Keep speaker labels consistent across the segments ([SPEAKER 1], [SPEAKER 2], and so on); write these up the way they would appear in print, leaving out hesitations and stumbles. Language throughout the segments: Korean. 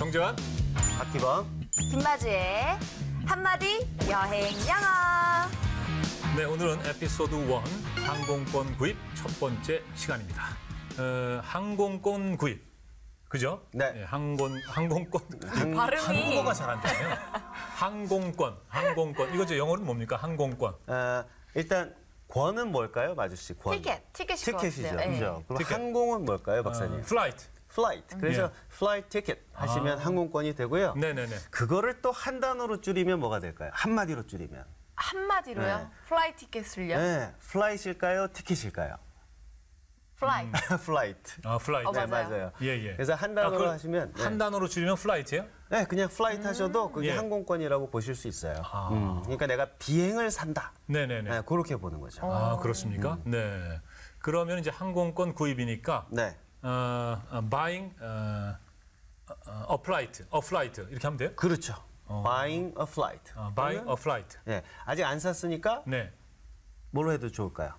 [SPEAKER 1] 정재환,
[SPEAKER 2] 박기범,
[SPEAKER 3] 김마주의 한마디 여행 영어.
[SPEAKER 1] 네, 오늘은 에피소드 1 항공권 구입 첫 번째 시간입니다. 항공권 구입, 그죠?
[SPEAKER 2] 네.
[SPEAKER 1] 항공권
[SPEAKER 3] 발음이
[SPEAKER 1] 한국어가 잘 안 되네요. 항공권 이거 저 영어로는 뭡니까? 항공권.
[SPEAKER 2] 일단 권은 뭘까요, 마주 씨? 권.
[SPEAKER 3] 티켓이죠.
[SPEAKER 2] 티켓이죠,
[SPEAKER 3] 네.
[SPEAKER 2] 그죠? 그럼
[SPEAKER 1] 티켓.
[SPEAKER 2] 항공은 뭘까요, 박사님?
[SPEAKER 1] 플라이트.
[SPEAKER 2] 플라이트. 그래서 플라이트 티켓 하시면 항공권이 되고요.
[SPEAKER 1] 네네네.
[SPEAKER 2] 그거를 또 한 단어로 줄이면 뭐가 될까요? 한마디로 줄이면.
[SPEAKER 3] 한마디로요?
[SPEAKER 2] 네.
[SPEAKER 3] 플라이 티켓을요?
[SPEAKER 2] 네, 플라이트일까요, 티켓일까요?
[SPEAKER 3] 플라이.
[SPEAKER 2] 플라이트.
[SPEAKER 1] 플라이트.
[SPEAKER 2] 네,
[SPEAKER 3] 맞아요.
[SPEAKER 2] 맞아요.
[SPEAKER 1] 예.
[SPEAKER 2] 그래서 한 단어로
[SPEAKER 1] 그걸
[SPEAKER 2] 하시면
[SPEAKER 1] 한 단어로 줄이면 플라이트예요?
[SPEAKER 2] 네, 그냥 플라이트 하셔도 그게
[SPEAKER 1] 예.
[SPEAKER 2] 항공권이라고 보실 수 있어요. 그러니까 내가 비행을 산다.
[SPEAKER 1] 네네네.
[SPEAKER 2] 네, 그렇게 보는 거죠.
[SPEAKER 1] 그렇습니까? 네. 그러면 이제 항공권 구입이니까
[SPEAKER 2] 네.
[SPEAKER 1] buying a flight 이렇게 하면 돼요?
[SPEAKER 2] 그렇죠. Buying a flight.
[SPEAKER 1] buying a flight.
[SPEAKER 2] 네, 아직 안 샀으니까
[SPEAKER 1] 네.
[SPEAKER 2] 뭘로 해도 좋을까요?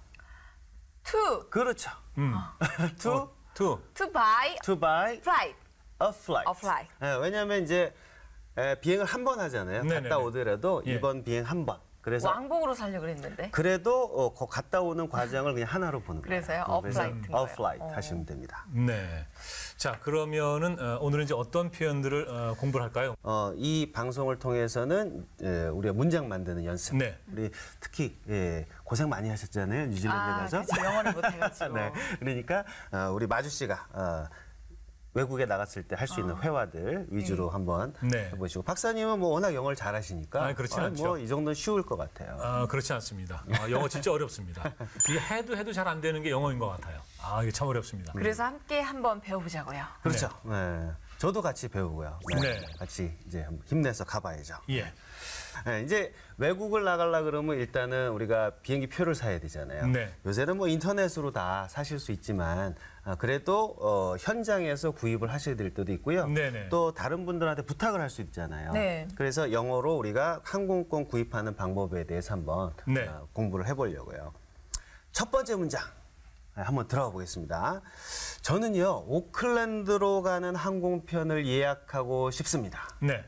[SPEAKER 3] To
[SPEAKER 2] 그렇죠. to
[SPEAKER 3] buy
[SPEAKER 2] buy
[SPEAKER 3] flight.
[SPEAKER 2] a flight.
[SPEAKER 3] A flight.
[SPEAKER 2] 네, 왜냐하면 이제 비행을 한 번 하잖아요.
[SPEAKER 1] 네네네.
[SPEAKER 2] 갔다 오더라도
[SPEAKER 1] 예.
[SPEAKER 2] 이번 비행 한 번. 그래서
[SPEAKER 3] 왕복으로 살려고 그랬는데.
[SPEAKER 2] 그래도 갔다 오는 과정을 그냥 하나로 보는 거예요.
[SPEAKER 3] 그래서요? A
[SPEAKER 2] 그래서
[SPEAKER 3] flight인
[SPEAKER 2] a
[SPEAKER 3] 거예요.
[SPEAKER 2] flight 하시면 됩니다.
[SPEAKER 1] 네. 자, 그러면은 오늘은 이제 어떤 표현들을 공부를 할까요?
[SPEAKER 2] 이 방송을 통해서는 우리가 문장 만드는 연습.
[SPEAKER 1] 네.
[SPEAKER 2] 우리 특히 고생 많이 하셨잖아요. 뉴질랜드 가서.
[SPEAKER 3] 그치, 영어를 못해가지고.
[SPEAKER 2] 네. 그러니까 우리 마주 씨가 외국에 나갔을 때 할 수 있는 회화들 위주로 한번
[SPEAKER 1] 네.
[SPEAKER 2] 해보시고, 박사님은 뭐 워낙 영어를 잘하시니까
[SPEAKER 1] 그렇진 않죠.
[SPEAKER 2] 뭐 이 정도는 쉬울 것 같아요.
[SPEAKER 1] 그렇지 않습니다. 영어 진짜 어렵습니다. 이게 해도 잘 안 되는 게 영어인 것 같아요. 이게 참 어렵습니다.
[SPEAKER 3] 그래서 함께 한번 배워보자고요.
[SPEAKER 2] 그렇죠. 네. 저도 같이 배우고요.
[SPEAKER 1] 네.
[SPEAKER 2] 같이 이제 한번 힘내서 가봐야죠.
[SPEAKER 1] 예.
[SPEAKER 2] 네, 이제 외국을 나가려 그러면 일단은 우리가 비행기 표를 사야 되잖아요.
[SPEAKER 1] 네.
[SPEAKER 2] 요새는 뭐 인터넷으로 다 사실 수 있지만 그래도 현장에서 구입을 하셔야 될 때도 있고요.
[SPEAKER 1] 네네.
[SPEAKER 2] 또 다른 분들한테 부탁을 할 수 있잖아요.
[SPEAKER 3] 네.
[SPEAKER 2] 그래서 영어로 우리가 항공권 구입하는 방법에 대해서 한번
[SPEAKER 1] 네.
[SPEAKER 2] 공부를 해보려고요. 첫 번째 문장 한번 들어가 보겠습니다. 저는요, 오클랜드로 가는 항공편을 예약하고 싶습니다.
[SPEAKER 1] 네.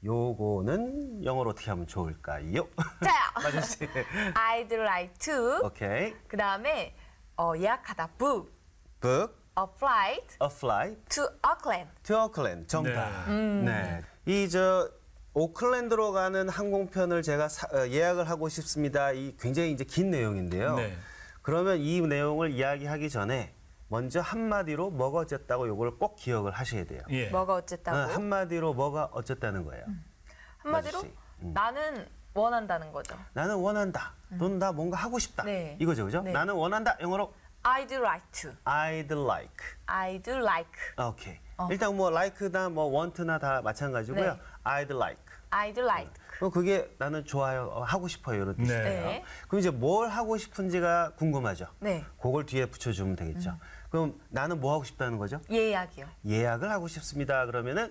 [SPEAKER 2] 요거는 영어로 어떻게 하면 좋을까요?
[SPEAKER 3] 자,
[SPEAKER 2] 마주 씨.
[SPEAKER 3] I'd like to.
[SPEAKER 2] 오케이.
[SPEAKER 3] 그 다음에 예약하다. Book
[SPEAKER 2] Book
[SPEAKER 3] a flight
[SPEAKER 2] a flight
[SPEAKER 3] to Auckland.
[SPEAKER 2] to Auckland. 정답. 네. 이 오클랜드로 가는 항공편을 제가 예약을 하고 싶습니다. 이 굉장히 이제 긴 내용인데요.
[SPEAKER 1] 네.
[SPEAKER 2] 그러면 이 내용을 이야기하기 전에 먼저 한마디로 뭐가 어쨌다고 요걸 꼭 기억을 하셔야 돼요.
[SPEAKER 1] 예.
[SPEAKER 3] 뭐가 어쨌다고?
[SPEAKER 2] 한마디로 뭐가 어쨌다는 거예요.
[SPEAKER 3] 한마디로
[SPEAKER 2] 마주 씨.
[SPEAKER 3] 나는 원한다는 거죠.
[SPEAKER 2] 나는 원한다. 또는 나 뭔가 하고 싶다.
[SPEAKER 3] 네.
[SPEAKER 2] 이거죠, 그죠?
[SPEAKER 3] 네.
[SPEAKER 2] 나는 원한다. 영어로
[SPEAKER 3] I'd like to.
[SPEAKER 2] I'd like.
[SPEAKER 3] I'd like.
[SPEAKER 2] 오케이. 일단 뭐 like나 뭐 want나 다 마찬가지고요.
[SPEAKER 3] 네.
[SPEAKER 2] I'd like.
[SPEAKER 3] I'd like.
[SPEAKER 2] 그럼 그게 나는 좋아요, 하고 싶어요 이런 뜻이에요.
[SPEAKER 3] 네.
[SPEAKER 2] 그럼 이제 뭘 하고 싶은지가 궁금하죠.
[SPEAKER 3] 네.
[SPEAKER 2] 그걸 뒤에 붙여주면 되겠죠. 그럼 나는 뭐 하고 싶다는 거죠?
[SPEAKER 3] 예약이요.
[SPEAKER 2] 예약을 하고 싶습니다. 그러면은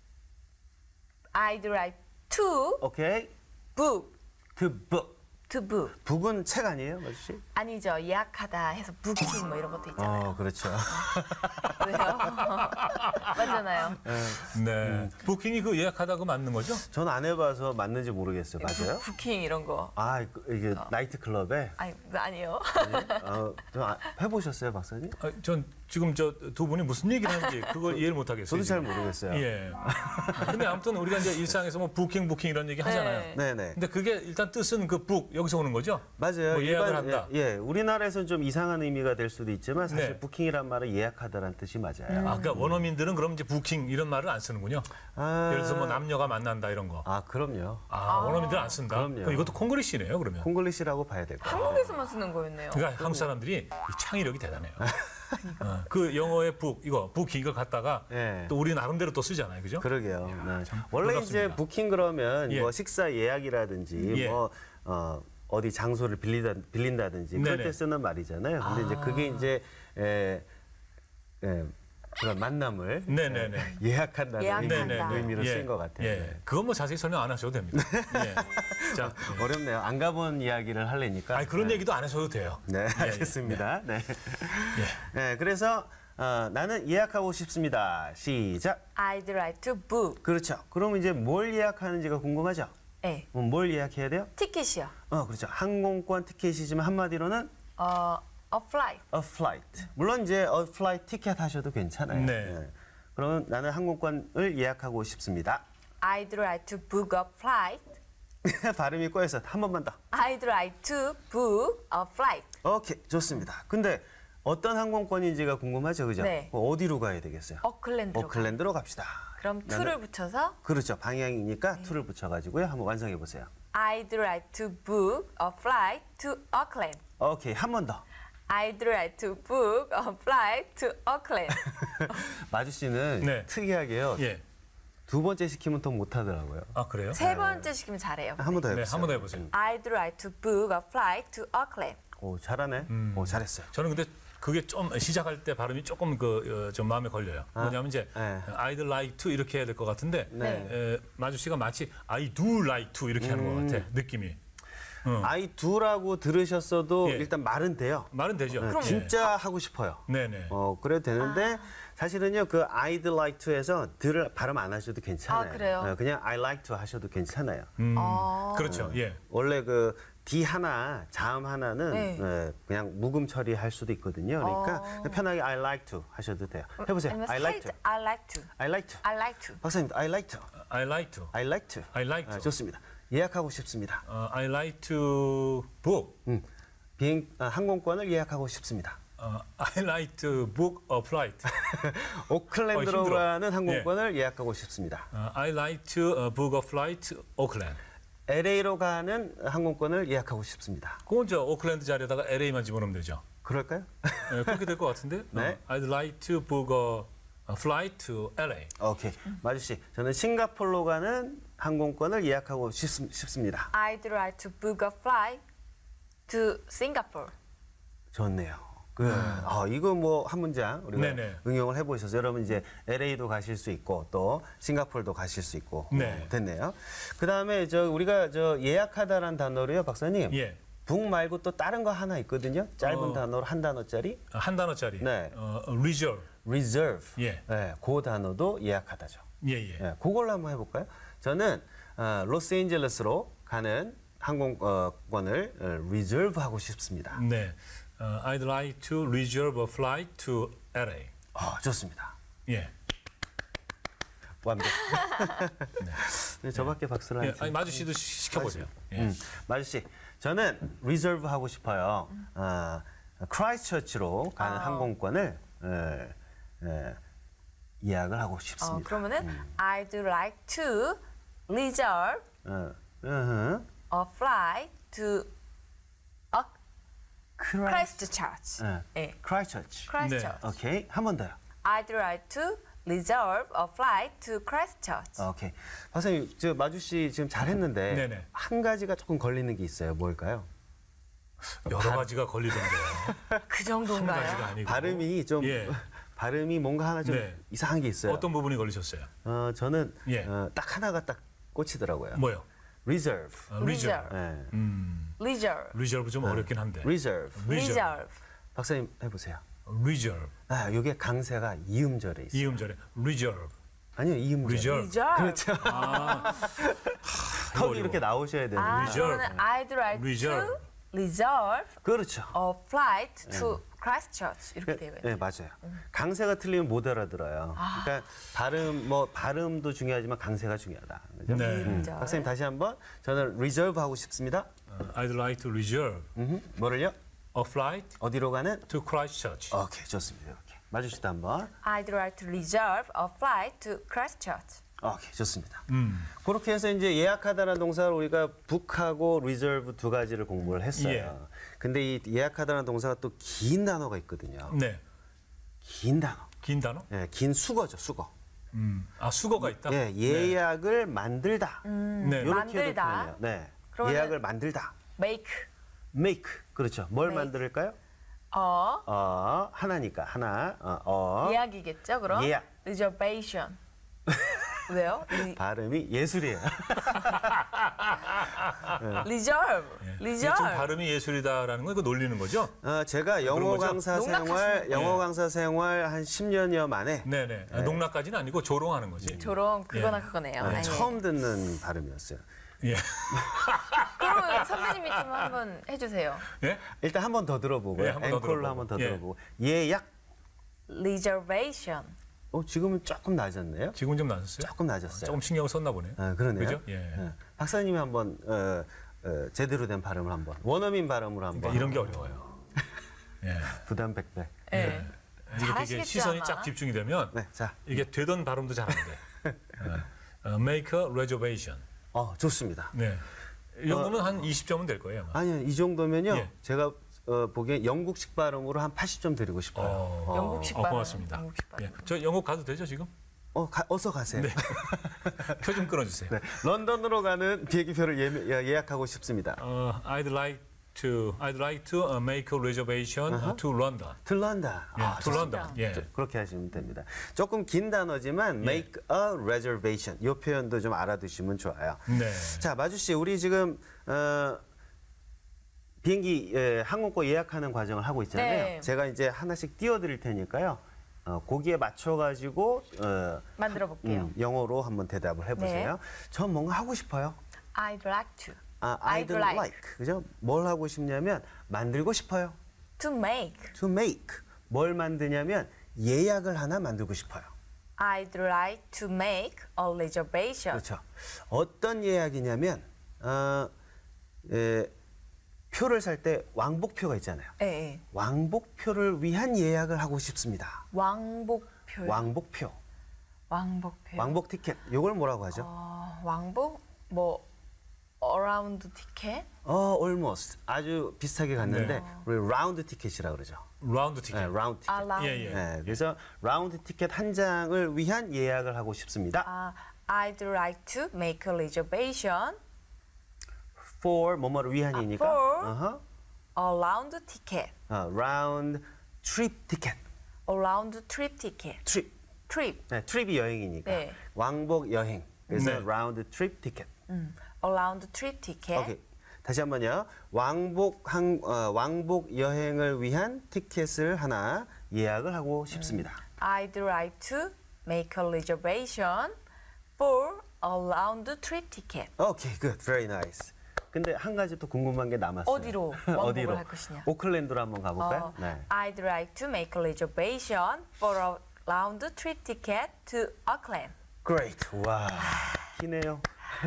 [SPEAKER 3] I'd like to
[SPEAKER 2] 오케이.
[SPEAKER 3] book.
[SPEAKER 2] to book.
[SPEAKER 3] To book.
[SPEAKER 2] book은 책 아니에요, 마주 씨?
[SPEAKER 3] 아니죠. 예약하다 해서 booking 뭐 이런 것도 있잖아요.
[SPEAKER 2] 그렇죠.
[SPEAKER 3] 왜요? 맞잖아요.
[SPEAKER 1] 네. 부킹이 그 예약하다 그 맞는 거죠?
[SPEAKER 2] 전 안 해봐서 맞는지 모르겠어요. 맞아요?
[SPEAKER 3] 부킹 이런 거.
[SPEAKER 2] 이게 나이트 클럽에
[SPEAKER 3] 아니, 아니요.
[SPEAKER 2] 좀 해보셨어요, 박사님?
[SPEAKER 1] 전 지금 저 두 분이 무슨 얘기를 하는지 그걸 이해를 못 하겠어요.
[SPEAKER 2] 저도 잘
[SPEAKER 1] 지금.
[SPEAKER 2] 모르겠어요.
[SPEAKER 1] 예. 근데 아무튼 우리가 이제 일상에서 뭐 부킹 이런 얘기 하잖아요.
[SPEAKER 2] 네네.
[SPEAKER 1] 근데 그게 일단 뜻은 그 북 여기서 오는 거죠?
[SPEAKER 2] 맞아요.
[SPEAKER 1] 뭐 예약을 한다.
[SPEAKER 2] 예, 우리나라에서는 좀 이상한 의미가 될 수도 있지만 사실
[SPEAKER 1] 네.
[SPEAKER 2] 부킹이란 말은 예약하다라는 뜻이 맞아요.
[SPEAKER 1] 그러니까 원어민들은 그럼 이제 부킹 이런 말을 안 쓰는군요. 예를 들어서 뭐 남녀가 만난다 이런 거.
[SPEAKER 2] 그럼요.
[SPEAKER 1] 원어민들은 안 쓴다.
[SPEAKER 2] 그럼요.
[SPEAKER 1] 그럼 이것도 콩글리시네요, 그러면.
[SPEAKER 2] 콩글리시라고 봐야 될 거예요.
[SPEAKER 3] 한국에서만 쓰는 거였네요.
[SPEAKER 1] 그러니까 한국 사람들이 이 창의력이 대단해요. 그 영어의 부킹 이걸 갖다가
[SPEAKER 2] 예.
[SPEAKER 1] 또 우리 나름대로 또 쓰잖아요, 그죠?
[SPEAKER 2] 그러게요. 네. 원래
[SPEAKER 1] 놀랍습니다.
[SPEAKER 2] 이제 부킹 그러면
[SPEAKER 1] 예.
[SPEAKER 2] 뭐 식사 예약이라든지
[SPEAKER 1] 예.
[SPEAKER 2] 뭐 어디 장소를 빌린다든지 그럴
[SPEAKER 1] 네네.
[SPEAKER 2] 때 쓰는 말이잖아요. 근데 이제 그게 이제 그런 만남을
[SPEAKER 1] 네네네.
[SPEAKER 2] 예약한다는
[SPEAKER 3] 예약한다.
[SPEAKER 2] 의미로
[SPEAKER 1] 예.
[SPEAKER 2] 쓰인 것 같아요.
[SPEAKER 1] 예.
[SPEAKER 2] 네.
[SPEAKER 1] 그건 뭐 자세히 설명 안 하셔도 됩니다. 예. 자, 예.
[SPEAKER 2] 어렵네요. 안 가본 이야기를 하려니까.
[SPEAKER 1] 아니, 그런 얘기도 안 하셔도 돼요.
[SPEAKER 2] 네, 알겠습니다. 네.
[SPEAKER 1] 예.
[SPEAKER 2] 네, 그래서 나는 예약하고 싶습니다. 시작.
[SPEAKER 3] I'd like to book.
[SPEAKER 2] 그렇죠. 그럼 이제 뭘 예약하는지가 궁금하죠?
[SPEAKER 3] 네.
[SPEAKER 2] 그럼 뭘 예약해야 돼요?
[SPEAKER 3] 티켓이요.
[SPEAKER 2] 그렇죠. 항공권 티켓이지만 한마디로는
[SPEAKER 3] A flight.
[SPEAKER 2] a flight. 물론 이제 a flight 티켓 하셔도 괜찮아요.
[SPEAKER 1] 네.
[SPEAKER 2] 그러면 나는 항공권을 예약하고 싶습니다.
[SPEAKER 3] I'd like to book a flight.
[SPEAKER 2] 발음이 꼬여서 한 번만 더.
[SPEAKER 3] I'd like to book a flight.
[SPEAKER 2] 오케이, 좋습니다. 근데 어떤 항공권인지가 궁금하죠, 그죠?
[SPEAKER 3] 네.
[SPEAKER 2] 어디로 가야 되겠어요?
[SPEAKER 3] 오클랜드로.
[SPEAKER 2] 오클랜드로 갑시다.
[SPEAKER 3] 그럼 to를 붙여서
[SPEAKER 2] 그렇죠. 방향이니까 to를 붙여가지고요. 한번 완성해 보세요.
[SPEAKER 3] I'd like to book a flight to Auckland.
[SPEAKER 2] 오케이, 한 번 더.
[SPEAKER 3] I'd like to book a flight to Auckland.
[SPEAKER 2] 마주 씨는
[SPEAKER 1] 네.
[SPEAKER 2] 특이하게요.
[SPEAKER 1] 예.
[SPEAKER 2] 두 번째 시키면 더 못하더라고요.
[SPEAKER 1] 아 그래요?
[SPEAKER 3] 세 번째 시키면 잘해요.
[SPEAKER 2] 한 번 더
[SPEAKER 1] 네,
[SPEAKER 2] 해보세요.
[SPEAKER 1] 한 번 더 해보세요.
[SPEAKER 3] I'd like to book a flight to Auckland.
[SPEAKER 2] 오, 잘하네. 오, 잘했어요.
[SPEAKER 1] 저는 근데 그게 좀 시작할 때 발음이 조금 좀 마음에 걸려요. 뭐냐면 이제
[SPEAKER 2] 네.
[SPEAKER 1] I'd like to 이렇게 해야 될 것 같은데
[SPEAKER 2] 네.
[SPEAKER 1] 마주 씨가 마치 I do like to 이렇게 하는 것 같아 느낌이.
[SPEAKER 2] I do라고 들으셨어도
[SPEAKER 1] 예.
[SPEAKER 2] 일단 말은 돼요.
[SPEAKER 1] 말은 되죠.
[SPEAKER 2] 네,
[SPEAKER 1] 예.
[SPEAKER 2] 진짜 하고 싶어요.
[SPEAKER 1] 네네.
[SPEAKER 2] 그래도 되는데 사실은요 그 I'd like to에서 들을 발음 안 하셔도 괜찮아요.
[SPEAKER 3] 아, 그래요?
[SPEAKER 2] 그냥 I like to 하셔도 괜찮아요.
[SPEAKER 1] 그렇죠. 예.
[SPEAKER 2] 원래 그 D 하나, 자음 하나는
[SPEAKER 3] 네.
[SPEAKER 2] 그냥 묵음 처리할 수도 있거든요. 그러니까 편하게 I like to 하셔도 돼요. 해보세요.
[SPEAKER 3] 아니면
[SPEAKER 2] I like to.
[SPEAKER 3] 살짝 I like to.
[SPEAKER 2] I like to.
[SPEAKER 3] I like to.
[SPEAKER 2] 박사님, I like to.
[SPEAKER 1] I like to.
[SPEAKER 2] I like to.
[SPEAKER 1] I like to.
[SPEAKER 2] 좋습니다. 예약하고 싶습니다.
[SPEAKER 1] I like to book.
[SPEAKER 2] 항공권을 예약하고 싶습니다.
[SPEAKER 1] I like to book a flight.
[SPEAKER 2] 오클랜드로
[SPEAKER 1] 힘들어.
[SPEAKER 2] 가는 항공권을 예약하고 싶습니다.
[SPEAKER 1] I like to book a flight to Auckland.
[SPEAKER 2] LA로 가는 항공권을 예약하고 싶습니다.
[SPEAKER 1] 그건 저 오클랜드 자리에다가 LA만 집어넣으면 되죠.
[SPEAKER 2] 그럴까요?
[SPEAKER 1] 네, 그렇게 될 것 같은데.
[SPEAKER 2] 네.
[SPEAKER 1] I'd like to book a flight to LA.
[SPEAKER 2] 오케이. 마주 씨, 저는 싱가포르로 가는 항공권을 예약하고 싶습니다.
[SPEAKER 3] I'd like to book a flight to Singapore.
[SPEAKER 2] 좋네요. 이거 뭐 한 문장 우리가
[SPEAKER 1] 네네.
[SPEAKER 2] 응용을 해보셔서 여러분 이제 LA도 가실 수 있고 또 싱가포르도 가실 수 있고
[SPEAKER 1] 네.
[SPEAKER 2] 됐네요. 그 다음에 우리가 예약하다라는 단어로요, 박사님.
[SPEAKER 1] 예.
[SPEAKER 2] 북 말고 또 다른 거 하나 있거든요. 짧은 단어로 한 단어짜리.
[SPEAKER 1] 한 단어짜리.
[SPEAKER 2] 네.
[SPEAKER 1] reserve.
[SPEAKER 2] reserve.
[SPEAKER 1] 예.
[SPEAKER 2] 네, 그 단어도 예약하다죠.
[SPEAKER 1] 예.
[SPEAKER 2] 네, 그걸로 한번 해볼까요? 저는 로스앤젤레스로 가는 항공권을 reserve 하고 싶습니다.
[SPEAKER 1] 네. I'd like to reserve a flight to LA.
[SPEAKER 2] 좋습니다.
[SPEAKER 1] 예.
[SPEAKER 2] 완벽. 네, 저밖에 박수를
[SPEAKER 1] 예.
[SPEAKER 2] 안
[SPEAKER 1] 아니, 마주 씨도 시켜보세요. 예.
[SPEAKER 2] 마주 씨, 저는 reserve 하고 싶어요. 크라이스처치로 가는 항공권을 예약을 하고 싶습니다.
[SPEAKER 3] 그러면은 I'd like to reserve a flight to Christchurch. 네.
[SPEAKER 2] 크라이스처치.
[SPEAKER 3] Christchurch.
[SPEAKER 2] 오케이, 한 번 더요.
[SPEAKER 3] I'd like to reserve a flight to Christchurch.
[SPEAKER 2] 오케이. 박사님, 마주 씨 지금 잘했는데
[SPEAKER 1] 네네.
[SPEAKER 2] 한 가지가 조금 걸리는 게 있어요. 뭘까요?
[SPEAKER 1] 여러 가지가 걸리던데요.
[SPEAKER 3] 그
[SPEAKER 1] 한
[SPEAKER 3] 정도인가요?
[SPEAKER 1] 가지가 아니고.
[SPEAKER 2] 발음이 좀
[SPEAKER 1] 예.
[SPEAKER 2] 발음이 뭔가 하나 좀
[SPEAKER 1] 네.
[SPEAKER 2] 이상한 게 있어요.
[SPEAKER 1] 어떤 부분이 걸리셨어요?
[SPEAKER 2] 저는
[SPEAKER 1] 예.
[SPEAKER 2] 딱 하나가 딱 꽂히더라고요.
[SPEAKER 1] 뭐요?
[SPEAKER 2] reserve.
[SPEAKER 1] reserve.
[SPEAKER 2] 네.
[SPEAKER 3] Reserve.
[SPEAKER 1] reserve 좀 어렵긴 한데.
[SPEAKER 2] reserve.
[SPEAKER 3] Reserve.
[SPEAKER 2] 박사님 해보세요.
[SPEAKER 1] reserve.
[SPEAKER 2] 이게 강세가 이음절에 있어요.
[SPEAKER 1] 이음절에 reserve.
[SPEAKER 2] 아니요, 이음절.
[SPEAKER 1] reserve.
[SPEAKER 2] 그렇죠. 턱이
[SPEAKER 1] 어려워.
[SPEAKER 2] 이렇게 나오셔야 되는.
[SPEAKER 1] reserve.
[SPEAKER 3] 그러면 I'd like
[SPEAKER 1] reserve.
[SPEAKER 3] to reserve
[SPEAKER 2] 그렇죠.
[SPEAKER 3] a flight to Christchurch. 이렇게 되어요.
[SPEAKER 2] 네, 맞아요. 강세가 틀리면 못 알아들어요. 그러니까 발음도 중요하지만 강세가 중요하다. 그죠?
[SPEAKER 1] 네.
[SPEAKER 2] 박사님 다시 한번 저는 reserve 하고 싶습니다.
[SPEAKER 1] I'd like to reserve
[SPEAKER 2] 뭐를요?
[SPEAKER 1] a flight
[SPEAKER 2] 어디로 가는?
[SPEAKER 1] to Christchurch.
[SPEAKER 2] 오케이, 좋습니다. 이렇게 마주시다 한번.
[SPEAKER 3] I'd like to reserve a flight to Christchurch.
[SPEAKER 2] 오케이, 좋습니다. 그렇게 해서 이제 예약하다라는 동사를 우리가 book하고 reserve 두 가지를 공부를 했어요.
[SPEAKER 1] 예.
[SPEAKER 2] 근데 이 예약하다라는 동사가 또 긴 단어가 있거든요.
[SPEAKER 1] 네.
[SPEAKER 2] 긴 단어.
[SPEAKER 1] 긴 단어?
[SPEAKER 2] 예, 긴 수거죠, 수거.
[SPEAKER 1] 수거가 있다?
[SPEAKER 2] 예, 예약을 만들다.
[SPEAKER 1] 네.
[SPEAKER 2] 요렇게도
[SPEAKER 3] 만들다.
[SPEAKER 2] 표현해요. 네.
[SPEAKER 3] 그러면은-
[SPEAKER 2] 예약을 만들다.
[SPEAKER 3] Make.
[SPEAKER 2] make. 그렇죠. 뭘
[SPEAKER 3] make.
[SPEAKER 2] 만들까요?
[SPEAKER 3] A
[SPEAKER 2] 하나니까 하나.
[SPEAKER 3] 예약이겠죠, 그럼?
[SPEAKER 2] 예약.
[SPEAKER 3] Reservation. 왜요?
[SPEAKER 2] 발음이 예술이에요.
[SPEAKER 3] reserve.
[SPEAKER 1] 이게 좀 발음이 예술이다라는 건 이거 놀리는 거죠?
[SPEAKER 2] 제가 영어
[SPEAKER 1] 거죠?
[SPEAKER 2] 강사
[SPEAKER 3] 농락하시는
[SPEAKER 2] 생활 한 10년여 만에
[SPEAKER 1] 네네. 농락까지는 아니고 조롱하는 거지.
[SPEAKER 3] 조롱 그거나 그거네요. 아, 예.
[SPEAKER 2] 처음 듣는 발음이었어요.
[SPEAKER 1] 예.
[SPEAKER 3] 그러면 선배님이 좀 한번 해주세요.
[SPEAKER 1] 예?
[SPEAKER 2] 일단 한 번 더 들어보고요.
[SPEAKER 1] 예, 한번더
[SPEAKER 2] 앵콜로
[SPEAKER 1] 들어보고.
[SPEAKER 2] 한 번 더
[SPEAKER 1] 예.
[SPEAKER 2] 들어보고. 예약.
[SPEAKER 3] reservation.
[SPEAKER 2] 지금은 조금 낮았네요.
[SPEAKER 1] 지금 좀 낮았어요?
[SPEAKER 2] 조금 낮았어요.
[SPEAKER 1] 조금 신경을 썼나 보네요.
[SPEAKER 2] 그러네요.
[SPEAKER 1] 그죠? 예.
[SPEAKER 2] 박사님이 한번 제대로 된 발음을 한번 원어민 발음으로 한번.
[SPEAKER 1] 그러니까 이런 게 어려워요. 예.
[SPEAKER 2] 부담 100배.
[SPEAKER 3] 예.
[SPEAKER 1] 이렇게 이게
[SPEAKER 3] 잘하시겠죠,
[SPEAKER 1] 시선이
[SPEAKER 3] 아마.
[SPEAKER 1] 쫙 집중이 되면
[SPEAKER 2] 네, 자,
[SPEAKER 1] 이게 되던 발음도 잘 안 돼. Make a reservation.
[SPEAKER 2] 좋습니다.
[SPEAKER 1] 네. 이 정도면 한 20점은 될 거예요. 아마.
[SPEAKER 2] 아니요, 이 정도면요.
[SPEAKER 1] 예.
[SPEAKER 2] 제가 보기엔 영국식 발음으로 한 80점 드리고 싶어요.
[SPEAKER 3] 영국식 발음.
[SPEAKER 1] 고맙습니다.
[SPEAKER 3] 영국식 발음.
[SPEAKER 1] 예. 저 영국 가도 되죠 지금?
[SPEAKER 2] 어서 가세요.
[SPEAKER 1] 네. 표 좀 끊어주세요.
[SPEAKER 2] 네, 런던으로 가는 비행기표를 예약하고 싶습니다.
[SPEAKER 1] I'd like to make a reservation to London.
[SPEAKER 2] 들런다.
[SPEAKER 1] 예, to London. 예.
[SPEAKER 2] 그렇게 하시면 됩니다. 조금 긴 단어지만 make a reservation. 이 표현도 좀 알아두시면 좋아요.
[SPEAKER 1] 네.
[SPEAKER 2] 자, 마주 씨, 우리 지금 비행기 항공권 예약하는 과정을 하고 있잖아요.
[SPEAKER 3] 네.
[SPEAKER 2] 제가 이제 하나씩 띄워드릴 테니까요. 거기에 맞춰가지고
[SPEAKER 3] 만들어 볼게요.
[SPEAKER 2] 영어로 한번 대답을 해보세요.
[SPEAKER 3] 네.
[SPEAKER 2] 전 뭔가 하고 싶어요.
[SPEAKER 3] I'd like to.
[SPEAKER 2] I'd like. 그죠? 뭘 하고 싶냐면 만들고 싶어요.
[SPEAKER 3] To make.
[SPEAKER 2] To make. 뭘 만드냐면 예약을 하나 만들고 싶어요.
[SPEAKER 3] I'd like to make a reservation.
[SPEAKER 2] 그렇죠. 어떤 예약이냐면 표를 살 때 왕복표가 있잖아요.
[SPEAKER 3] 예, 예.
[SPEAKER 2] 왕복표를 위한 예약을 하고 싶습니다.
[SPEAKER 3] 왕복표요.
[SPEAKER 2] 왕복표.
[SPEAKER 3] 왕복표.
[SPEAKER 2] 왕복 티켓. 이걸 뭐라고 하죠?
[SPEAKER 3] 왕복? 뭐 around ticket?
[SPEAKER 2] almost. 아주 비슷하게 갔는데 우리 라운드 티켓이라고 그러죠.
[SPEAKER 1] 라운드 티켓.
[SPEAKER 2] 네, 라운드 티켓.
[SPEAKER 3] 라운드.
[SPEAKER 1] 예, 예.
[SPEAKER 2] 네, 그래서 라운드 티켓 한 장을 위한 예약을 하고 싶습니다.
[SPEAKER 3] I'd like to make a reservation
[SPEAKER 2] for 뭐뭐를 위한이니까.
[SPEAKER 3] for a round ticket.
[SPEAKER 2] round trip ticket.
[SPEAKER 3] A round trip ticket.
[SPEAKER 2] trip.
[SPEAKER 3] trip.
[SPEAKER 2] 네, 트립이 여행이니까.
[SPEAKER 3] 네.
[SPEAKER 2] 왕복 여행. 그래서
[SPEAKER 1] 네.
[SPEAKER 2] round trip ticket.
[SPEAKER 3] A round trip ticket.
[SPEAKER 2] 오케이. 다시 한번요. 왕복 여행을 위한 티켓을 하나 예약을 하고 싶습니다.
[SPEAKER 3] I'd like to make a reservation for a round trip ticket.
[SPEAKER 2] 오케이, good, very nice. 근데 한 가지 또 궁금한 게 남았어요.
[SPEAKER 3] 어디로 왕복을 할 것이냐?
[SPEAKER 2] 오클랜드로 한번 가볼까요? 네.
[SPEAKER 3] I'd like to make a reservation for a round trip ticket to Auckland.
[SPEAKER 2] Great. 와, 기네요.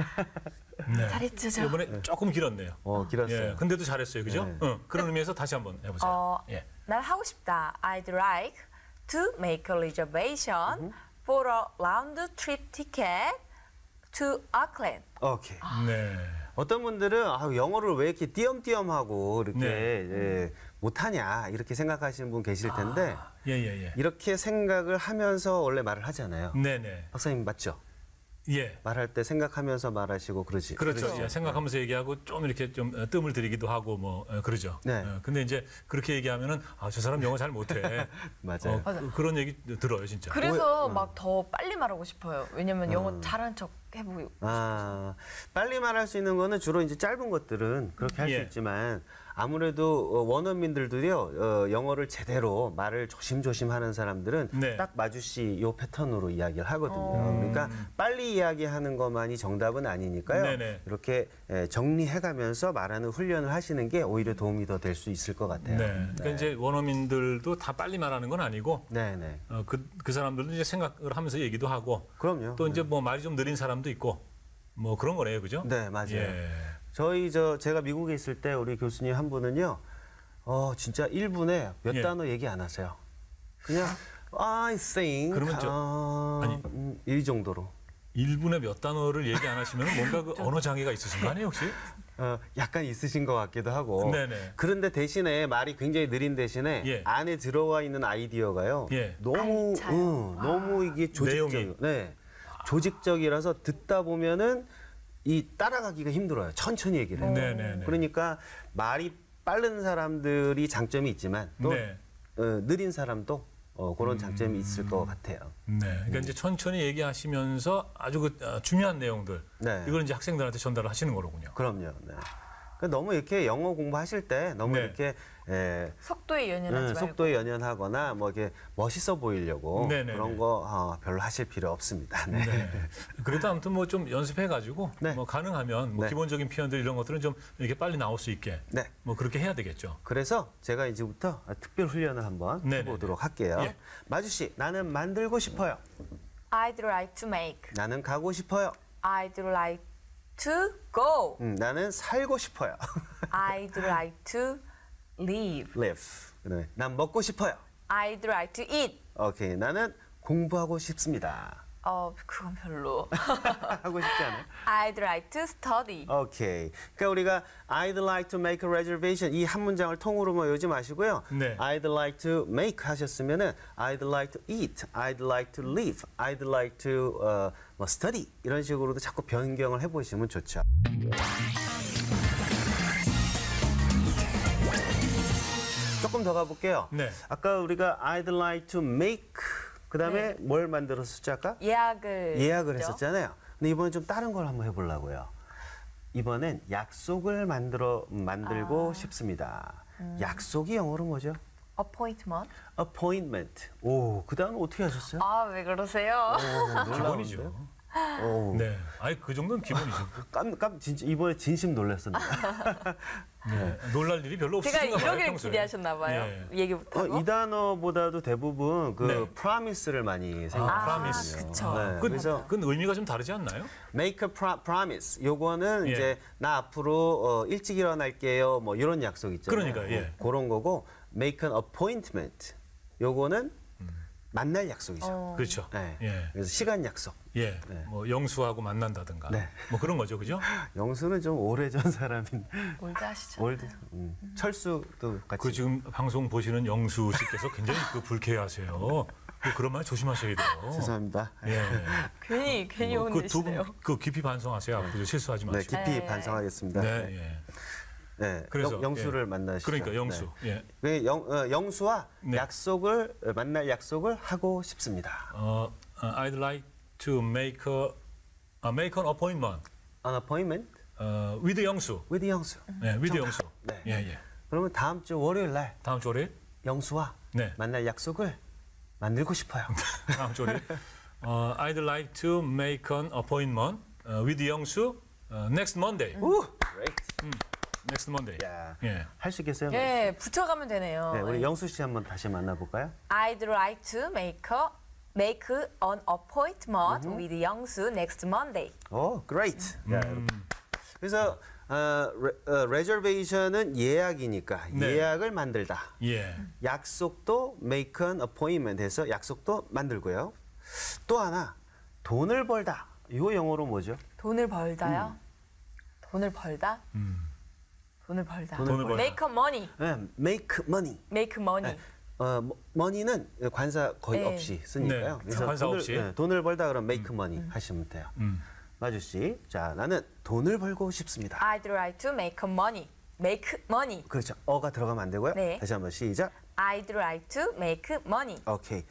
[SPEAKER 1] 네.
[SPEAKER 3] 잘했죠, 저.
[SPEAKER 1] 이번에 조금 길었네요.
[SPEAKER 2] 길었어요.
[SPEAKER 1] 예. 근데도 잘했어요. 그죠?
[SPEAKER 2] 네.
[SPEAKER 1] 그런 의미에서 다시 한번 해보세요. 예.
[SPEAKER 3] 난 하고 싶다. I'd like to make a reservation for a round trip ticket to Auckland.
[SPEAKER 2] 오케이.
[SPEAKER 1] 네.
[SPEAKER 2] 어떤 분들은 영어를 왜 이렇게 띄엄띄엄하고 이렇게
[SPEAKER 1] 네.
[SPEAKER 2] 못하냐 이렇게 생각하시는 분 계실 텐데
[SPEAKER 1] 예, 예, 예.
[SPEAKER 2] 이렇게 생각을 하면서 원래 말을 하잖아요.
[SPEAKER 1] 네네.
[SPEAKER 2] 박사님 맞죠?
[SPEAKER 1] 예.
[SPEAKER 2] 말할 때 생각하면서 말하시고 그러지.
[SPEAKER 1] 그렇죠. 예, 생각하면서 얘기하고 좀 이렇게 좀 뜸을 들이기도 하고 뭐 그러죠.
[SPEAKER 2] 네.
[SPEAKER 1] 근데 이제 그렇게 얘기하면은 저 사람 영어 잘 못해.
[SPEAKER 2] 맞아요.
[SPEAKER 1] 그런 얘기 들어요, 진짜.
[SPEAKER 3] 그래서 막 더 빨리 말하고 싶어요. 왜냐면 영어 잘하는 척 해보고.
[SPEAKER 2] 빨리 말할 수 있는 거는 주로 이제 짧은 것들은 그렇게 할 수
[SPEAKER 1] 예.
[SPEAKER 2] 있지만 아무래도 원어민들도요 영어를 제대로 말을 조심조심 하는 사람들은
[SPEAKER 1] 네.
[SPEAKER 2] 딱 마주씨 요 패턴으로 이야기를 하거든요. 그러니까 빨리 이야기하는 것만이 정답은 아니니까요.
[SPEAKER 1] 네네.
[SPEAKER 2] 이렇게 정리해가면서 말하는 훈련을 하시는 게 오히려 도움이 더 될 수 있을 것 같아요.
[SPEAKER 1] 네. 그러니까 이제 원어민들도 다 빨리 말하는 건 아니고
[SPEAKER 2] 네네.
[SPEAKER 1] 그 사람들도 이제 생각을 하면서 얘기도 하고
[SPEAKER 2] 그럼요.
[SPEAKER 1] 또 이제 뭐 말이 좀 느린 사람도 있고 뭐 그런 거네요, 그죠?
[SPEAKER 2] 네, 맞아요.
[SPEAKER 1] 예.
[SPEAKER 2] 제가 미국에 있을 때 우리 교수님 한 분은요, 진짜 1분에 몇
[SPEAKER 1] 예.
[SPEAKER 2] 단어 얘기 안 하세요. 그냥 I think
[SPEAKER 1] 그러면
[SPEAKER 2] 이 정도로.
[SPEAKER 1] 1분에 몇 단어를 얘기 안 하시면 뭔가 그 언어 장애가 있으신 거 아니에요, 혹시?
[SPEAKER 2] 약간 있으신 것 같기도 하고.
[SPEAKER 1] 네네.
[SPEAKER 2] 그런데 대신에 말이 굉장히 느린 대신에
[SPEAKER 1] 예.
[SPEAKER 2] 안에 들어와 있는 아이디어가요.
[SPEAKER 1] 예.
[SPEAKER 2] 너무 너무 이게 조직적.
[SPEAKER 1] 내용이.
[SPEAKER 2] 네. 조직적이라서 듣다 보면은 이 따라가기가 힘들어요. 천천히 얘기를 해요.
[SPEAKER 1] 네네네.
[SPEAKER 2] 그러니까 말이 빠른 사람들이 장점이 있지만 또
[SPEAKER 1] 네.
[SPEAKER 2] 느린 사람도 그런 장점이 있을 것 같아요.
[SPEAKER 1] 네. 그러니까 이제 천천히 얘기하시면서 아주 중요한 내용들
[SPEAKER 2] 네.
[SPEAKER 1] 이걸 이제 학생들한테 전달을 하시는 거로군요.
[SPEAKER 2] 그럼요. 네. 그러니까 너무 이렇게 영어 공부하실 때 너무
[SPEAKER 1] 네.
[SPEAKER 2] 이렇게
[SPEAKER 3] 속도에 연연하지 말고.
[SPEAKER 2] 속도에 연연하거나 뭐 이렇게 멋있어 보이려고
[SPEAKER 1] 네네네.
[SPEAKER 2] 그런 거 별로 하실 필요 없습니다. 네.
[SPEAKER 1] 네. 그래도 아무튼 뭐 좀 연습해가지고
[SPEAKER 2] 네.
[SPEAKER 1] 뭐 가능하면 뭐
[SPEAKER 2] 네.
[SPEAKER 1] 기본적인 표현들 이런 것들은 좀 이렇게 빨리 나올 수 있게
[SPEAKER 2] 네.
[SPEAKER 1] 뭐 그렇게 해야 되겠죠.
[SPEAKER 2] 그래서 제가 이제부터 특별 훈련을 한번
[SPEAKER 1] 네네네.
[SPEAKER 2] 해보도록 할게요.
[SPEAKER 1] 예.
[SPEAKER 2] 마주 씨, 나는 만들고 싶어요.
[SPEAKER 3] I'd like to make.
[SPEAKER 2] 나는 가고 싶어요.
[SPEAKER 3] I'd like to go.
[SPEAKER 2] 나는 살고 싶어요.
[SPEAKER 3] I'd like to live.
[SPEAKER 2] live. 그다음에 난 먹고 싶어요.
[SPEAKER 3] I'd like to eat.
[SPEAKER 2] 오케이. 나는 공부하고 싶습니다.
[SPEAKER 3] 그건 별로.
[SPEAKER 2] 하고 싶지 않아요?
[SPEAKER 3] I'd like to study.
[SPEAKER 2] 오케이. 그러니까 우리가 I'd like to make a reservation 이 한 문장을 통으로만 외우지 마시고요.
[SPEAKER 1] 네.
[SPEAKER 2] I'd like to make 하셨으면은 I'd like to eat, I'd like to live, I'd like to 뭐 study 이런 식으로도 자꾸 변경을 해보시면 좋죠. 조금 더 가볼게요.
[SPEAKER 1] 네.
[SPEAKER 2] 아까 우리가 I'd like to make 그다음에 뭘 만들었었죠 아까?
[SPEAKER 3] 예약을
[SPEAKER 2] 예약을
[SPEAKER 3] 했죠?
[SPEAKER 2] 했었잖아요. 근데 이번엔 좀 다른 걸 한번 해보려고요. 이번엔 약속을 만들고 싶습니다. 약속이 영어로 뭐죠?
[SPEAKER 3] appointment.
[SPEAKER 2] appointment. 오, 그 다음에 어떻게 하셨어요?
[SPEAKER 3] 왜 그러세요?
[SPEAKER 1] 기본이죠.
[SPEAKER 2] 오,
[SPEAKER 1] 네. 아니 그 정도는 기본이죠.
[SPEAKER 2] 진짜 이번에 진심 놀랐습니다.
[SPEAKER 1] 네. 놀랄 일이 별로
[SPEAKER 3] 제가
[SPEAKER 1] 없으신가 봐요.
[SPEAKER 3] 이러기를
[SPEAKER 1] 평소에.
[SPEAKER 3] 기대하셨나 봐요.
[SPEAKER 1] 예.
[SPEAKER 3] 얘기 못하고.
[SPEAKER 2] 이 단어보다도 대부분 그
[SPEAKER 1] 네.
[SPEAKER 2] promise를 많이 생각하거든요.
[SPEAKER 3] 그쵸.
[SPEAKER 2] 네, 그래서
[SPEAKER 1] 그건 의미가 좀 다르지 않나요?
[SPEAKER 2] make a promise. 요거는
[SPEAKER 1] 예.
[SPEAKER 2] 이제 나 앞으로 일찍 일어날게요. 뭐 이런 약속 있잖아요.
[SPEAKER 1] 그러니까, 예.
[SPEAKER 2] 그런 거고 make an appointment. 요거는 만날 약속이죠.
[SPEAKER 1] 그렇죠.
[SPEAKER 2] 네.
[SPEAKER 1] 예.
[SPEAKER 2] 그래서 시간 약속.
[SPEAKER 1] 예. 뭐 영수하고 만난다든가.
[SPEAKER 2] 네.
[SPEAKER 1] 뭐 그런 거죠. 그죠?
[SPEAKER 2] 영수는 좀 오래전 사람인
[SPEAKER 3] 올드 하시죠.
[SPEAKER 2] 올드. 철수도 같이.
[SPEAKER 1] 그 지금 방송 보시는 영수 씨께서 굉장히 불쾌하세요. 그런 말 조심하셔야 돼요.
[SPEAKER 2] 죄송합니다.
[SPEAKER 1] 예.
[SPEAKER 3] 괜히
[SPEAKER 1] 그 두
[SPEAKER 3] 혼내시네요.
[SPEAKER 1] 분 그 깊이 반성하세요. 앞으로 실수하지
[SPEAKER 2] 네,
[SPEAKER 1] 마시고.
[SPEAKER 2] 깊이
[SPEAKER 3] 네.
[SPEAKER 2] 반성하겠습니다.
[SPEAKER 1] 네.
[SPEAKER 2] 네.
[SPEAKER 1] 예.
[SPEAKER 2] 네.
[SPEAKER 1] 그래서
[SPEAKER 2] 영수를
[SPEAKER 1] 예.
[SPEAKER 2] 만나시죠.
[SPEAKER 1] 그러니까 영수. 예.
[SPEAKER 2] 네. 영수와
[SPEAKER 1] 네.
[SPEAKER 2] 만날 약속을 하고 싶습니다.
[SPEAKER 1] I'd like to make an appointment
[SPEAKER 2] An appointment
[SPEAKER 1] with 영수.
[SPEAKER 2] with 영수.
[SPEAKER 1] 네, with 영수.
[SPEAKER 2] 네.
[SPEAKER 1] 예, 예.
[SPEAKER 2] 그러면 다음 주 월요일 날
[SPEAKER 1] 다음 주 월요일?
[SPEAKER 2] 영수와
[SPEAKER 1] 네.
[SPEAKER 2] 만날 약속을 만들고 싶어요.
[SPEAKER 1] 다음 주 월요일. I'd like to make an appointment with 영수 next Monday.
[SPEAKER 2] 오, great.
[SPEAKER 1] Next Monday.
[SPEAKER 2] 야,
[SPEAKER 1] 예.
[SPEAKER 2] 할 수 있겠어요?
[SPEAKER 3] 예, 붙여가면 되네요.
[SPEAKER 2] 네, 우리 영수 씨 한번 다시 만나볼까요?
[SPEAKER 3] I'd like to make an appointment with 영수 next Monday.
[SPEAKER 2] 오, great. 야, 여러분. 그래서 reservation은 예약이니까
[SPEAKER 1] 네.
[SPEAKER 2] 예약을 만들다.
[SPEAKER 1] 예.
[SPEAKER 2] 약속도 make an appointment 해서 약속도 만들고요. 또 하나 돈을 벌다. 이거 영어로 뭐죠?
[SPEAKER 3] 돈을 벌다요? 돈을 벌다? 돈을 벌다.
[SPEAKER 1] 돈을 벌다.
[SPEAKER 3] Make money.
[SPEAKER 2] 네, make money.
[SPEAKER 3] Make money.
[SPEAKER 2] money는 관사 거의
[SPEAKER 3] 네.
[SPEAKER 2] 없이 쓰니까요.
[SPEAKER 1] 네, 관사 없이.
[SPEAKER 2] 돈을 벌다 그러면 make money 하시면 돼요. 마주 씨, 자 나는 돈을 벌고 싶습니다.
[SPEAKER 3] I'd like to make money. Make money.
[SPEAKER 2] 그렇죠. 어가 들어가면 안 되고요.
[SPEAKER 3] 네.
[SPEAKER 2] 다시 한번 시작.
[SPEAKER 3] I'd like to make money.
[SPEAKER 2] 오케이.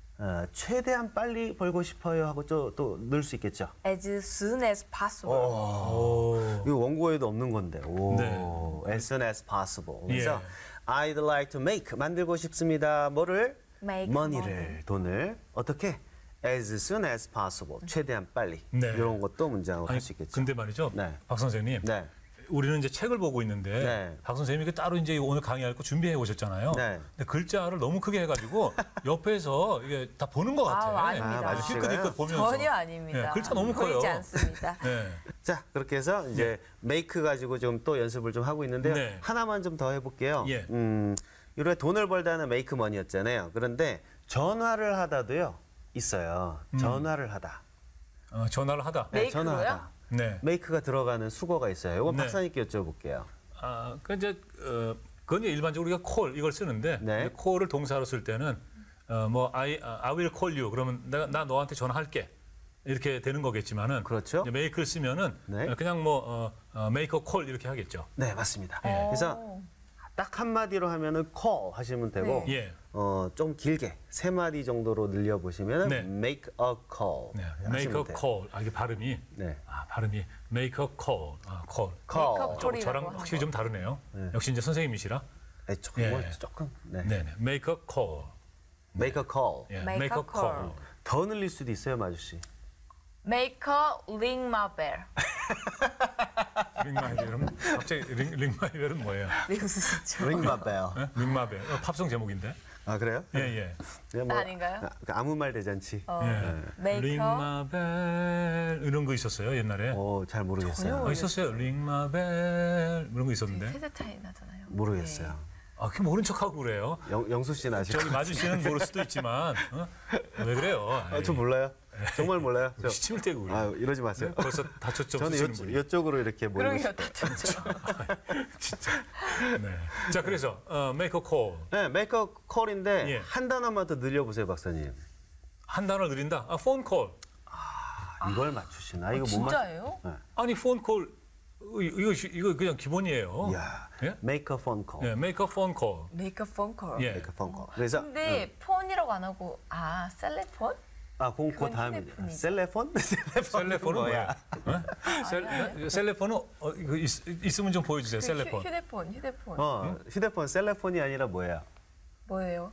[SPEAKER 2] 최대한 빨리 벌고 싶어요 하고 또 넣을 수 있겠죠.
[SPEAKER 3] As soon as possible.
[SPEAKER 1] 오.
[SPEAKER 2] 이거 원고에도 없는 건데. 오.
[SPEAKER 1] 네.
[SPEAKER 2] As soon as possible. 그래서
[SPEAKER 1] 예.
[SPEAKER 2] I'd like to make 만들고 싶습니다. 뭐를?
[SPEAKER 3] Make
[SPEAKER 2] money를
[SPEAKER 3] money.
[SPEAKER 2] 돈을 어떻게? As soon as possible. 최대한 빨리.
[SPEAKER 1] 네.
[SPEAKER 2] 이런 것도 문장으로
[SPEAKER 1] 아니,
[SPEAKER 2] 할 수 있겠죠.
[SPEAKER 1] 근데 말이죠.
[SPEAKER 2] 네.
[SPEAKER 1] 박 선생님.
[SPEAKER 2] 네.
[SPEAKER 1] 우리는 이제 책을 보고 있는데
[SPEAKER 2] 네.
[SPEAKER 1] 박 선생님이 따로 이제 오늘 강의할 거 준비해 오셨잖아요.
[SPEAKER 2] 네.
[SPEAKER 1] 근데 글자를 너무 크게 해가지고 옆에서 이게 다 보는 것 같아.
[SPEAKER 3] 아닙니다.
[SPEAKER 2] 맞아요.
[SPEAKER 1] 힐끗힐끗 보면서.
[SPEAKER 3] 전혀 아닙니다.
[SPEAKER 1] 네, 글자 너무 커요.
[SPEAKER 3] 보이지 않습니다.
[SPEAKER 1] 네.
[SPEAKER 2] 자, 그렇게 해서 이제 make 가지고 좀 또 연습을 좀 하고 있는데요.
[SPEAKER 1] 네.
[SPEAKER 2] 하나만 좀 더 해볼게요.
[SPEAKER 1] 예.
[SPEAKER 2] 이래 돈을 벌다는 make money였잖아요. 그런데 전화를 하다도요 있어요. 전화를 하다.
[SPEAKER 1] 전화를 하다.
[SPEAKER 3] 네. make로요?
[SPEAKER 2] 전화하다.
[SPEAKER 1] 네.
[SPEAKER 2] make가 들어가는 수거가 있어요. 이건
[SPEAKER 1] 네.
[SPEAKER 2] 박사님께 여쭤볼게요.
[SPEAKER 1] 그 이제 그건 이제 일반적으로 우리가 call 이걸 쓰는데
[SPEAKER 2] 네.
[SPEAKER 1] 이제 call을 동사로 쓸 때는 뭐 I will call you 그러면 나 너한테 전화할게 이렇게 되는 거겠지만은
[SPEAKER 2] 그렇죠.
[SPEAKER 1] 이제 make를 쓰면은
[SPEAKER 2] 네.
[SPEAKER 1] 그냥 뭐 make a call 이렇게 하겠죠.
[SPEAKER 2] 네, 맞습니다.
[SPEAKER 1] 예.
[SPEAKER 2] 그래서 딱 한마디로 하면은 call 하시면 되고
[SPEAKER 3] 네.
[SPEAKER 1] 예.
[SPEAKER 2] 좀 길게 3마디 정도로 늘려 보시면은
[SPEAKER 1] 네.
[SPEAKER 2] make a call.
[SPEAKER 1] 네.
[SPEAKER 2] 하시면
[SPEAKER 1] Make a
[SPEAKER 2] 돼요.
[SPEAKER 1] call. 이게 발음이
[SPEAKER 2] 네.
[SPEAKER 1] 발음이 make a call. call.
[SPEAKER 2] call.
[SPEAKER 3] Make a call.
[SPEAKER 1] 저랑
[SPEAKER 3] 콜이라고
[SPEAKER 1] 확실히 좀 다르네요. 역시 이제 선생님이시라.
[SPEAKER 2] 조금
[SPEAKER 1] 예.
[SPEAKER 2] 조금. 네.
[SPEAKER 1] 네. Make a call.
[SPEAKER 2] make a call.
[SPEAKER 1] 예.
[SPEAKER 3] Make
[SPEAKER 1] Make a
[SPEAKER 3] a call.
[SPEAKER 1] call.
[SPEAKER 2] 더 늘릴 수도 있어요, 마주 씨.
[SPEAKER 3] Make a ring my bell.
[SPEAKER 1] 링마이벨은 갑자기 링마이벨은 뭐예요?
[SPEAKER 3] 미국이죠.
[SPEAKER 2] ring my bell.
[SPEAKER 1] 예? 링마벨. 팝송 제목인데.
[SPEAKER 2] 아, 그래요?
[SPEAKER 1] 예, 예.
[SPEAKER 2] 네,
[SPEAKER 3] 아닌가요?
[SPEAKER 2] 아무 말 대잔치.
[SPEAKER 1] 예.
[SPEAKER 3] Make a
[SPEAKER 1] 링마벨 이런 거 있었어요, 옛날에.
[SPEAKER 2] 잘 모르겠어요.
[SPEAKER 3] 전혀
[SPEAKER 1] 있었어요. 링마벨 이런 거 있었는데.
[SPEAKER 3] 세대 차이 나잖아요.
[SPEAKER 2] 모르겠어요.
[SPEAKER 1] 그 모른 척하고 그래요.
[SPEAKER 2] 영수 씨는 아실
[SPEAKER 1] 저기
[SPEAKER 2] 것
[SPEAKER 1] 마주 씨는 모를 수도 있지만 왜 그래요?
[SPEAKER 2] 저 몰라요. 정말 몰라요. 저,
[SPEAKER 1] 시침을 떼고 그래.
[SPEAKER 2] 이러지 마세요.
[SPEAKER 1] 벌써 다쳤죠.
[SPEAKER 2] 저는
[SPEAKER 1] 쓰시는 분이.
[SPEAKER 2] 이쪽으로 이렇게 모르고
[SPEAKER 3] 그러게요,
[SPEAKER 2] 싶어요.
[SPEAKER 3] 다쳤죠.
[SPEAKER 1] 진짜. 네. 자, 그래서 make a call.
[SPEAKER 2] 네, make a call인데
[SPEAKER 1] 예.
[SPEAKER 2] 한 단어만 더 늘려보세요, 박사님.
[SPEAKER 1] 한 단어를 늘린다. phone call.
[SPEAKER 2] 이걸 맞추시나? 이거 못 맞.
[SPEAKER 3] 진짜예요?
[SPEAKER 1] 아니 phone call 이거 그냥 기본이에요.
[SPEAKER 2] 이야,
[SPEAKER 1] 예?
[SPEAKER 2] make a phone call.
[SPEAKER 1] 네, make a phone call.
[SPEAKER 3] Make a phone call.
[SPEAKER 1] 예.
[SPEAKER 2] make a phone call. 그래서
[SPEAKER 3] 근데 폰이라고 안 하고 셀레폰?
[SPEAKER 2] 그
[SPEAKER 3] 그건
[SPEAKER 2] 다음에
[SPEAKER 3] 휴대폰이죠.
[SPEAKER 2] 셀레폰?
[SPEAKER 1] 셀레폰은 뭐야? 셀레폰은 이거 있으면 좀 보여주세요. 셀레폰.
[SPEAKER 3] 휴대폰.
[SPEAKER 2] 휴대폰 셀레폰이 아니라 뭐예요?
[SPEAKER 3] 뭐예요?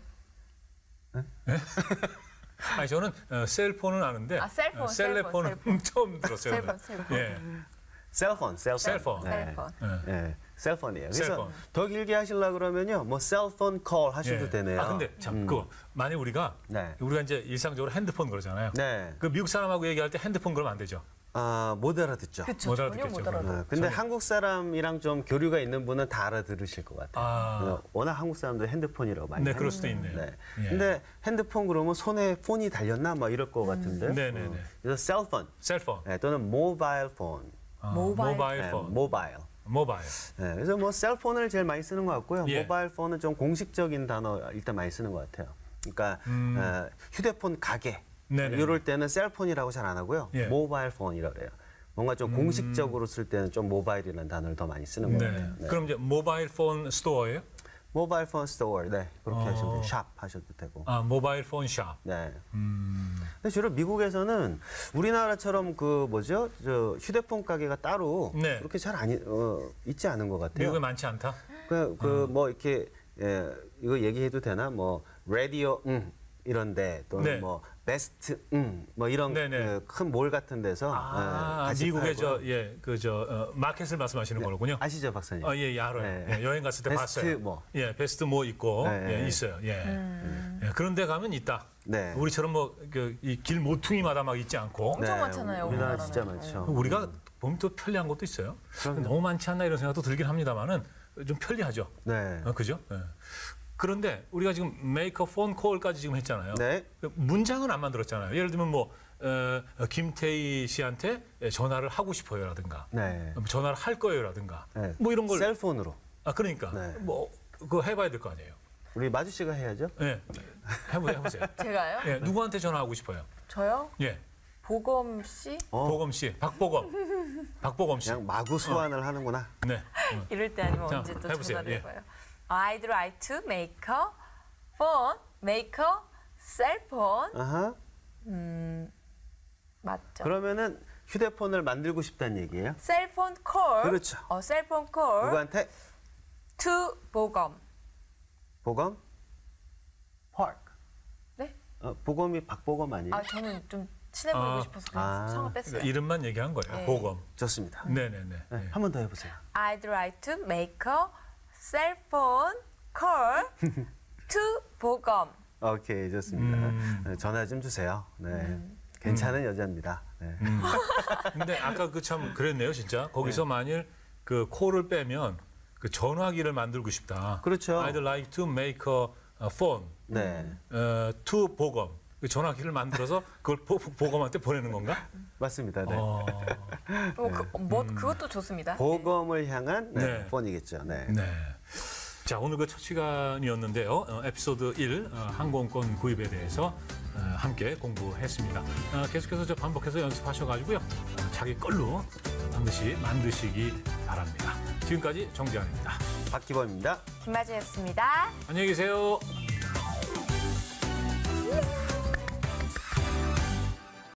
[SPEAKER 1] 아니 저는 셀폰은 아는데
[SPEAKER 3] 셀폰,
[SPEAKER 1] 셀레폰은
[SPEAKER 3] 셀폰.
[SPEAKER 1] 처음 들었어요.
[SPEAKER 3] 셀폰.
[SPEAKER 1] 예.
[SPEAKER 2] 셀폰.
[SPEAKER 1] 셀폰.
[SPEAKER 2] 네.
[SPEAKER 3] 셀폰.
[SPEAKER 2] 네, 셀폰이에요. 그래서
[SPEAKER 1] 셀폰.
[SPEAKER 2] 더 길게 하시려 그러면요, 뭐 셀폰 콜 하셔도
[SPEAKER 1] 예.
[SPEAKER 2] 되네요.
[SPEAKER 1] 근데 참 그거 만약 우리가
[SPEAKER 2] 네.
[SPEAKER 1] 이제 일상적으로 핸드폰 그러잖아요.
[SPEAKER 2] 네,
[SPEAKER 1] 그 미국 사람하고 얘기할 때 핸드폰 그러면 안 되죠.
[SPEAKER 2] 못 알아듣죠.
[SPEAKER 3] 그쵸,
[SPEAKER 1] 못
[SPEAKER 3] 전혀
[SPEAKER 1] 알아듣겠죠,
[SPEAKER 3] 못 알아듣.
[SPEAKER 2] 근데 한국 사람이랑 좀 교류가 있는 분은 다 알아들으실 것 같아요.
[SPEAKER 1] 아.
[SPEAKER 2] 워낙 한국 사람들 핸드폰이라고 많이
[SPEAKER 1] 네,
[SPEAKER 2] 하니까.
[SPEAKER 1] 그럴 수도 있네요.
[SPEAKER 2] 네.
[SPEAKER 1] 예.
[SPEAKER 2] 근데 핸드폰 그러면 손에 폰이 달렸나 막 이럴 것 같은데.
[SPEAKER 1] 네네네.
[SPEAKER 2] 그래서 셀폰
[SPEAKER 1] 셀폰.
[SPEAKER 2] 또는 모바일 폰.
[SPEAKER 3] 모바일
[SPEAKER 2] 네,
[SPEAKER 1] 폰.
[SPEAKER 2] 모바일.
[SPEAKER 1] 모바일.
[SPEAKER 2] 네, 그래서 뭐 셀폰을 제일 많이 쓰는 것 같고요.
[SPEAKER 1] 예.
[SPEAKER 2] 모바일 폰은 좀 공식적인 단어 일단 많이 쓰는 것 같아요. 그러니까 휴대폰 가게
[SPEAKER 1] 네네.
[SPEAKER 2] 이럴 때는 셀폰이라고 잘 안 하고요.
[SPEAKER 1] 예.
[SPEAKER 2] 모바일 폰이라고 해요. 뭔가 좀 공식적으로 쓸 때는 좀 모바일이라는 단어를 더 많이 쓰는 것
[SPEAKER 1] 네.
[SPEAKER 2] 같아요. 네.
[SPEAKER 1] 그럼 이제 모바일 폰 스토어예요?
[SPEAKER 2] 모바일 폰 스토어, 네, 그렇게 하시면 돼요. 샵 하셔도 되고.
[SPEAKER 1] 모바일 폰 샵.
[SPEAKER 2] 네. 근데 주로 미국에서는 우리나라처럼 저 휴대폰 가게가 따로
[SPEAKER 1] 네.
[SPEAKER 2] 그렇게 잘 있지 않은 것 같아요.
[SPEAKER 1] 미국에 많지 않다.
[SPEAKER 2] 뭐 이렇게 이거 얘기해도 되나? 뭐 라디오 이런데 또는
[SPEAKER 1] 네.
[SPEAKER 2] 뭐 베스트 뭐 이런
[SPEAKER 1] 네네.
[SPEAKER 2] 큰 몰 같은 데서 같이
[SPEAKER 1] 미국의
[SPEAKER 2] 팔고요.
[SPEAKER 1] 마켓을 말씀하시는 거군요.
[SPEAKER 2] 아시죠, 박사님?
[SPEAKER 1] 예, 알아요.
[SPEAKER 2] 네.
[SPEAKER 1] 예, 여행 갔을 때
[SPEAKER 2] 베스트
[SPEAKER 1] 봤어요.
[SPEAKER 2] 뭐.
[SPEAKER 1] 예, 베스트 뭐 있고
[SPEAKER 2] 네.
[SPEAKER 1] 예, 있어요. 예. 예, 그런 데 가면 있다.
[SPEAKER 2] 네.
[SPEAKER 1] 우리처럼 뭐 이 길 모퉁이마다 막 있지 않고
[SPEAKER 3] 엄청 많잖아요,
[SPEAKER 2] 우리나라
[SPEAKER 3] 우리나라는.
[SPEAKER 2] 진짜 많죠.
[SPEAKER 1] 우리가 보면 또 편리한 것도 있어요. 너무 많지 않나 이런 생각도 들긴 합니다만은 좀 편리하죠.
[SPEAKER 2] 네.
[SPEAKER 1] 그죠? 예. 그런데 우리가 지금 make a phone call까지 지금 했잖아요.
[SPEAKER 2] 네.
[SPEAKER 1] 문장은 안 만들었잖아요. 예를 들면 뭐 김태희 씨한테 전화를 하고 싶어요라든가
[SPEAKER 2] 네.
[SPEAKER 1] 전화를 할 거예요라든가
[SPEAKER 2] 네.
[SPEAKER 1] 뭐 이런 걸
[SPEAKER 2] 셀폰으로.
[SPEAKER 1] 그러니까
[SPEAKER 2] 네.
[SPEAKER 1] 뭐 그거 해봐야 될 거 아니에요.
[SPEAKER 2] 우리 마주 씨가 해야죠.
[SPEAKER 1] 예, 해보세요.
[SPEAKER 3] 제가요?
[SPEAKER 1] 예, 누구한테 전화하고 싶어요?
[SPEAKER 3] 저요?
[SPEAKER 1] 예,
[SPEAKER 3] 보검 씨?
[SPEAKER 1] 보검 씨, 박보검 씨.
[SPEAKER 2] 그냥 마구 소환을 하는구나.
[SPEAKER 1] 네.
[SPEAKER 3] 이럴 때 아니면
[SPEAKER 1] 자,
[SPEAKER 3] 언제 또
[SPEAKER 1] 해보세요.
[SPEAKER 3] 전화를
[SPEAKER 1] 예.
[SPEAKER 3] 해봐요. I'd like to make a phone, make a cell phone.
[SPEAKER 2] 아하.
[SPEAKER 3] 맞죠?
[SPEAKER 2] 그러면은 휴대폰을 만들고 싶다는 얘기예요?
[SPEAKER 3] 셀폰 콜.
[SPEAKER 2] 그렇죠.
[SPEAKER 3] 셀폰 콜.
[SPEAKER 2] 누구한테?
[SPEAKER 3] to 보검.
[SPEAKER 2] 보검? 파크.
[SPEAKER 3] 네?
[SPEAKER 2] 보검이 박보검 아니에요?
[SPEAKER 3] 저는 좀 친해 보이고 싶어서 그냥 성을 뺐어요.
[SPEAKER 1] 그러니까 이름만 얘기한 거예요.
[SPEAKER 3] 네.
[SPEAKER 1] 보검.
[SPEAKER 2] 좋습니다.
[SPEAKER 1] 네네네.
[SPEAKER 2] 네, 한 번 더 해보세요.
[SPEAKER 3] I'd like to make a cell phone call to 보검.
[SPEAKER 2] 오케이, 좋습니다. 네, 전화 좀 주세요. 네. 괜찮은 여자입니다. 네.
[SPEAKER 1] 근데 아까 그 참 그랬네요, 진짜. 거기서 만일 그 콜을 빼면 그 전화기를 만들고 싶다.
[SPEAKER 2] 그렇죠.
[SPEAKER 1] I'd like to make a phone
[SPEAKER 2] 네.
[SPEAKER 1] to 보검. 그 전화기를 만들어서 그걸 보검한테 보내는 건가?
[SPEAKER 2] 맞습니다. 네.
[SPEAKER 3] 그것도 좋습니다.
[SPEAKER 2] 보검을 향한
[SPEAKER 1] 네.
[SPEAKER 2] 폰이겠죠. 네.
[SPEAKER 1] 네. 자, 오늘 그 첫 시간이었는데요. 에피소드 1 항공권 구입에 대해서 함께 공부했습니다. 계속해서 반복해서 연습하셔가지고요. 자기 걸로 반드시 만드시기 바랍니다. 바랍니다. 지금까지 정재환입니다.
[SPEAKER 2] 박기범입니다.
[SPEAKER 3] 김마주였습니다.
[SPEAKER 1] 안녕히 계세요.